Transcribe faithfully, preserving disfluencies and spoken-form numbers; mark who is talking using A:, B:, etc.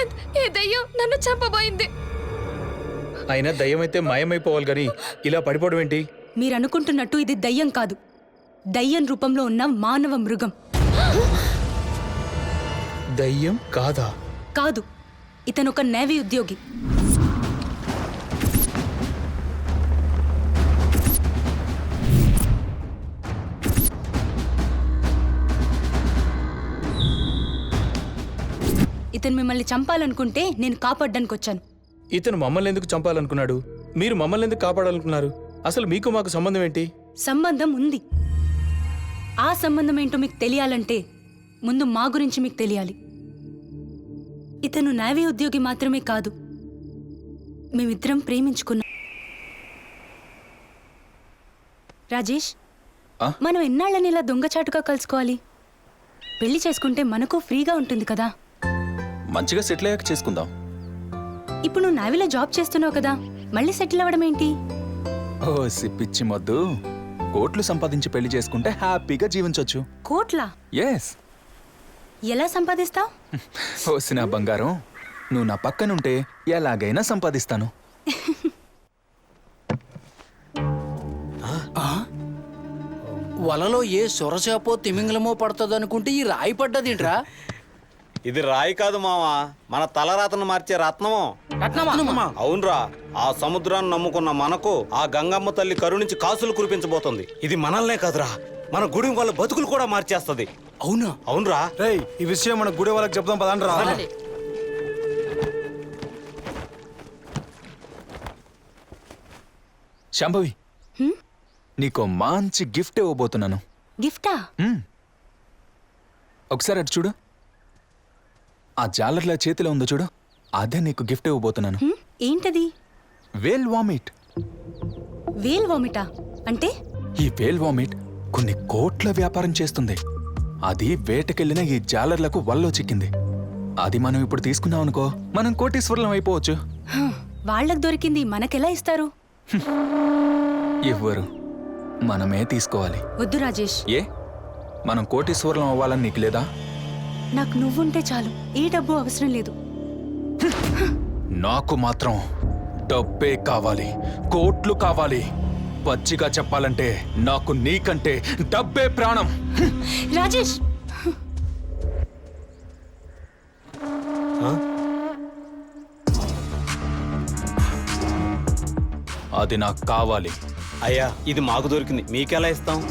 A: ప్రశాంత్, ఈ దయ్యం నన్ను చంపబోయింది.
B: అయినా దయ్యం అయితే మాయమైపోవాలి గాని ఇలా పడిపోవడం ఏంటి?
C: మీరు అనుకుంటున్నట్టు ఇది దయ్యం కాదు, దయ్యం రూపంలో ఉన్న మానవ మృగం.
B: దయ్యం కాదా?
C: కాదు, ఇతను ఒక నేవీ ఉద్యోగి. ఇతను మిమ్మల్ని చంపాలనుకుంటే నేను కాపాడడానికి వచ్చాను.
B: ఇతను మమ్మల్ని ఎందుకు చంపాలనుకున్నాడు? మీరు మమ్మల్ని ఎందుకు కాపాడాలనుకున్నారు? అసలు మీకు మాకు సంబంధం ఏంటి?
C: సంబంధం ఉంది. ఆ సంబంధం ఏంటో మీకు తెలియాలంటే ముందు మా గురించి మీకు తెలియాలి. ఇతను నేవీ ఉద్యోగి మాత్రమే కాదు, మేమిద్దరం ప్రేమించుకున్నాం. రాజేష్,
B: ఆ?
C: మనం ఎన్నాళ్ళని ఇలా దొంగచాటుగా కలుసుకోవాలి? పెళ్లి చేసుకుంటే మనకు ఫ్రీగా ఉంటుంది కదా.
D: మంచిగా సెటిల్ అయ్యాక చేసుకుందాం.
C: ఇప్పుడు నువ్వు నేవీలో జాబ్ చేస్తున్నావు కదా, మళ్ళీ సెటిల్ అవ్వడం ఏంటి?
D: ఓ సిప్పిచ్చి మొద్దు, కోట్లు సంపాదించి పెళ్లి చేసుకుంటే హ్యాపీగా జీవించొచ్చు.
C: కోట్లా?
D: ఎస్.
C: ఎలా సంపాదిస్తావు?
D: ఓసిన బంగారం, నువ్వు నా పక్కనుంటే ఎలాగైనా సంపాదిస్తాను.
E: వలలో ఏ సొరచేపో తిమింగలమో పడుతుందనుకుంటే ఈ రాయి పడ్డదింట్రా.
F: ఇది రాయి కాదు మావా, మన తలరాతను మార్చే రత్నము.
E: రత్నమా?
F: అవునరా, ఆ సముద్రాన్ని నమ్ముకున్న మనకు ఆ గంగమ్మ తల్లి కరుణించి కాసులు కురిపించబోతుంది. ఇది మనల్నే కాదురా, మన గుడి వాళ్ళ బతుకులు కూడా మార్చేస్తుంది.
E: అవునా?
F: అవునరా.
G: రేయ్, ఈ విషయం మన గుడి వాళ్ళకి చెప్దాం పదండి రా.
D: శాంభవి, నీకో మంచి గిఫ్ట్ ఇవ్వబోతున్నాను.
C: గిఫ్టా?
D: మ్మ్. ఒకసారి అటు చూడు, ఆ జాలర్ల చేతిలో ఉందో చూడు, అదే నీకు గిఫ్ట్ ఇవ్వబోతున్నాను.
C: హ్మ్? ఏంటది?
D: వేల్ వామిట్.
C: వేల్ వామిటా అంటే?
D: ఈ వేల్ వామిట్ కొన్ని కోట్ల వ్యాపారం చేస్తుంది. అది వేటకెళ్లిన ఈ జాలర్లకు వల్లో చిక్కింది. అది మనం ఇప్పుడు తీసుకున్నాం అనుకో, మనం కోటీశ్వరులం అయిపోవచ్చు.
C: హ, వాళ్ళకు దొరికింది మనకెలా ఇస్తారు?
D: ఇవ్వరు, మనమే తీసుకోవాలి.
C: వద్దు రాజేష్,
D: ఏ, మనం కోటీశ్వరులం అవ్వాలని నీకు లేదా?
C: నాకు నువ్వుంటే చాలు, ఏ డబ్బు అవసరం లేదు.
D: నాకు మాత్రం డబ్బే కావాలి, కోట్లు కావాలి. పచ్చిగా చెప్పాలంటే నాకు నీకంటే డబ్బే ప్రాణం.
C: రాజేష్,
D: అది నాకు కావాలి.
F: అయ్యా, ఇది మాకు దొరికింది, మీకెలా ఇస్తాం?